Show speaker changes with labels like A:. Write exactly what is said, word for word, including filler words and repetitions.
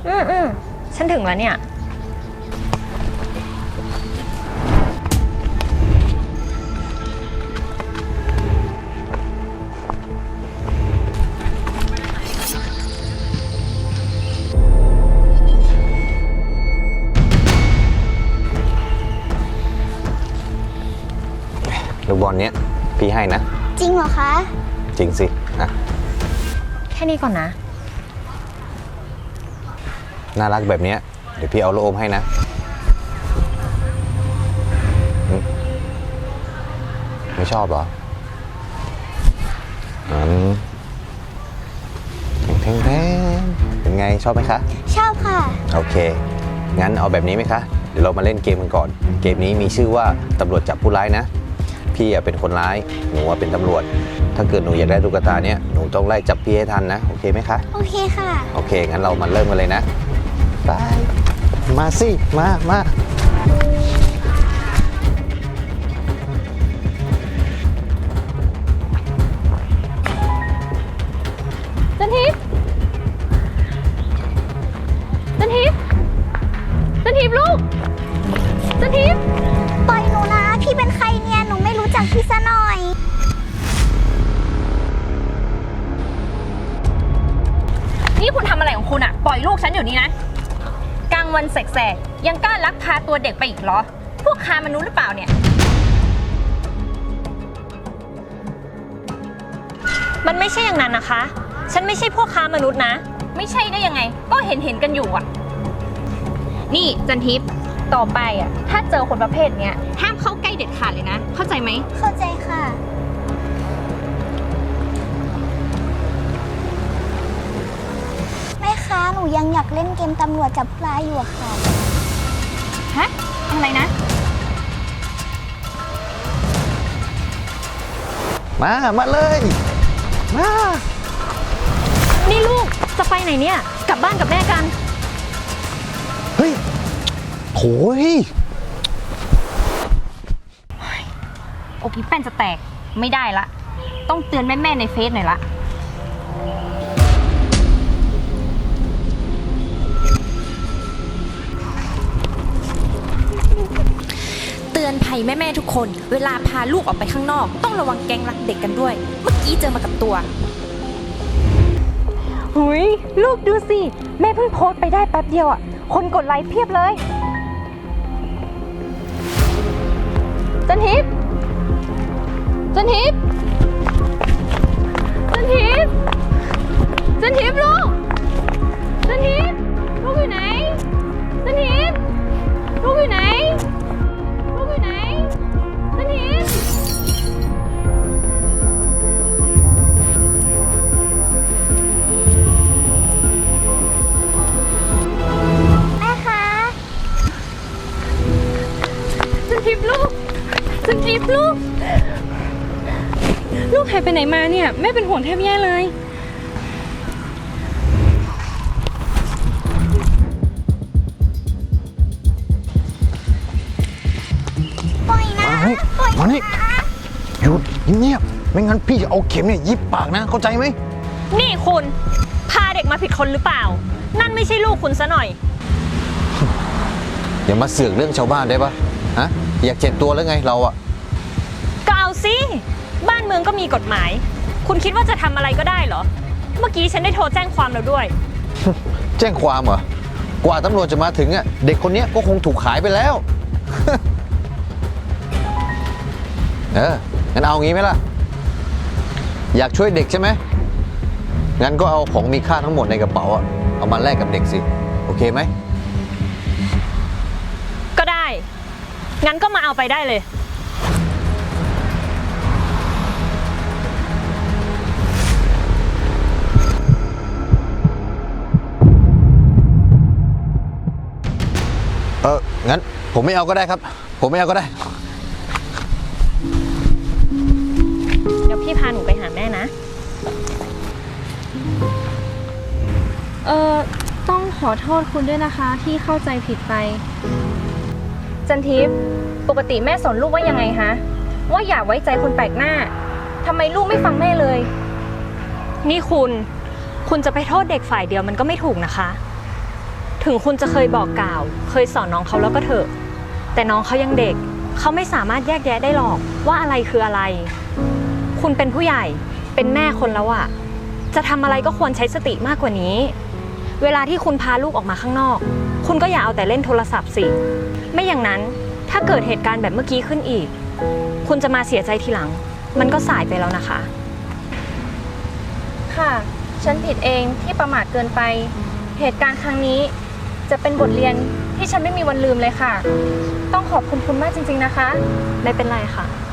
A: อืมอืมฉันถึงแล้วเนี่ย
B: ลูกบอลเนี้ยพี่ให้นะ
C: จริงเหรอคะ
B: จริงสินะ
A: แค่นี้ก่อนนะ
B: น่ารักแบบนี้เดี๋ยวพี่เอาโลอมให้นะไม่ชอบเหรออืมแทงแทงเป็นไงชอบไหมคะ
C: ชอบค่ะ
B: โอเคงั้นเอาแบบนี้ไหมคะเดี๋ยวเรามาเล่นเกมกันก่อนเกมนี้มีชื่อว่าตำรวจจับผู้ร้ายนะพี่เป็นคนร้ายหนูเป็นตำรวจถ้าเกิดหนูอยากได้ตุ๊กตาเนี้ยหนูต้องไล่จับพี่ให้ทันนะโอเคไหมคะ
C: โอเคค่ะ
B: โอเคงั้นเรามาเริ่มกันเลยนะไปมาสิมามา
A: จันทิพย์จันทิพย์จันทิพย์ลูกจันทิพย์
C: ปล่อยหนูนะพี่เป็นใครเนี่ยหนูไม่รู้จักพี่ซะหน่อย
A: นี่คุณทำอะไรของคุณอะปล่อยลูกฉันอยู่นี่นะกลางวันแสกๆยังกล้าลักพาตัวเด็กไปอีกเหรอพวกค้ามนุษย์หรือเปล่าเนี่ยมันไม่ใช่อย่างนั้นนะคะฉันไม่ใช่พวกค้ามนุษย์นะไม่ใช่ได้ยังไงก็เห็นเห็นกันอยู่อะนี่จันทิพย์ต่อไปอะถ้าเจอคนประเภทเนี้ยห้ามเข้าใกล้เด็ดขาดเลยนะเข้าใจไหม
C: เข้าใจค่ะแม่คะหนูยังอยากเล่นเกมตำรวจจับปลาอยู่ค่ะ
A: ฮะอะไรนะ
B: มามาเลยมา
A: นี่ลูกจะไปไหนเนี่ยกลับบ้านกับแม่กัน
B: เฮ้ยโถ่
A: อกพี่แป้นจะแตกไม่ได้ละต้องเตือนแม่ๆในเฟซหน่อยละ
D: เตือนภัยแม่ๆทุกคนเวลาพาลูกออกไปข้างนอกต้องระวังแก๊งรักเด็กกันด้วยเมื่อกี้เจอมากับตัว
A: หุยลูกดูสิแม่เพิ่งโพสต์ไปได้แป๊บเดียวอ่ะคนกดไลค์เพียบเลยจันทิพย์จันทิพย์จันทิพย์จันทิพย์ลูกจันทิพย์ลูกอยู่ไหนจันทิพย์ลูกอยู่ไหนลูกอยู่ไหนจันทิพย์
C: แม่คะ
A: จันทิพย์ลูกจันทิพย์ลูกลูกหายไปไหนมาเนี่ยแม่เป็นห่วงแทบแย่เลย
C: ปล่อยนะปล่อย
B: มานี่หยุดเงียบไม่งั้นพี่จะเอาเข็มเนี่ยยิบปากนะเข้าใจไหม
A: นี่คุณพาเด็กมาผิดคนหรือเปล่านั่นไม่ใช่ลูกคุณซะหน่อย
B: อย่ามาเสือกเรื่องชาวบ้านได้ปะฮะอยากเจ็บตัวแล้วไงเราอะ
A: ก็เอาสิบ้านเมืองก็มีกฎหมายคุณคิดว่าจะทำอะไรก็ได้เหรอเมื่อกี้ฉันได้โทรแจ้งความแล้วด้วย
B: แจ้งความเหรอกว่าตำรวจจะมาถึงอะเด็กคนนี้ก็คงถูกขายไปแล้ว เอองั้นเอางี้ไหมล่ะอยากช่วยเด็กใช่ไหมงั้นก็เอาของมีค่าทั้งหมดในกระเป๋าอะเอามาแลกกับเด็กสิโอเคไหม
A: ก็ได้งั้นก็มาเอาไปได้เลย
B: เอองั้นผมไม่เอาก็ได้ครับผมไม่เอาก็ได้
A: เดี๋ยวพี่พาหนูไปหาแม่นะ
E: เออต้องขอโทษคุณด้วยนะคะที่เข้าใจผิดไป
A: จันทิพย์ปกติแม่สอนลูกว่ายังไงฮะว่าอย่าไว้ใจคนแปลกหน้าทำไมลูกไม่ฟังแม่เลยนี่คุณคุณจะไปโทษเด็กฝ่ายเดียวมันก็ไม่ถูกนะคะถึงคุณจะเคยบอกกล่าว เคยสอนน้องเขาแล้วก็เถอะ แต่น้องเขายังเด็ก เขาไม่สามารถแยกแยะได้หรอกว่าอะไรคืออะไร คุณเป็นผู้ใหญ่ เป็นแม่คนแล้วอะจะทำอะไรก็ควรใช้สติมากกว่านี้ เวลาที่คุณพาลูกออกมาข้างนอก คุณก็อย่าเอาแต่เล่นโทรศัพท์สิ ไม่อย่างนั้นถ้าเกิดเหตุการณ์แบบเมื่อกี้ขึ้นอีก คุณจะมาเสียใจทีหลัง มันก็สายไปแล้วนะคะ
E: ค่ะ ฉันผิดเองที่ประมาทเกินไป เหตุการณ์ครั้งนี้จะเป็นบทเรียนที่ฉันไม่มีวันลืมเลยค่ะ ต้องขอบคุณคุณมากจริงๆนะคะ
A: ไม่เป็นไรค่ะ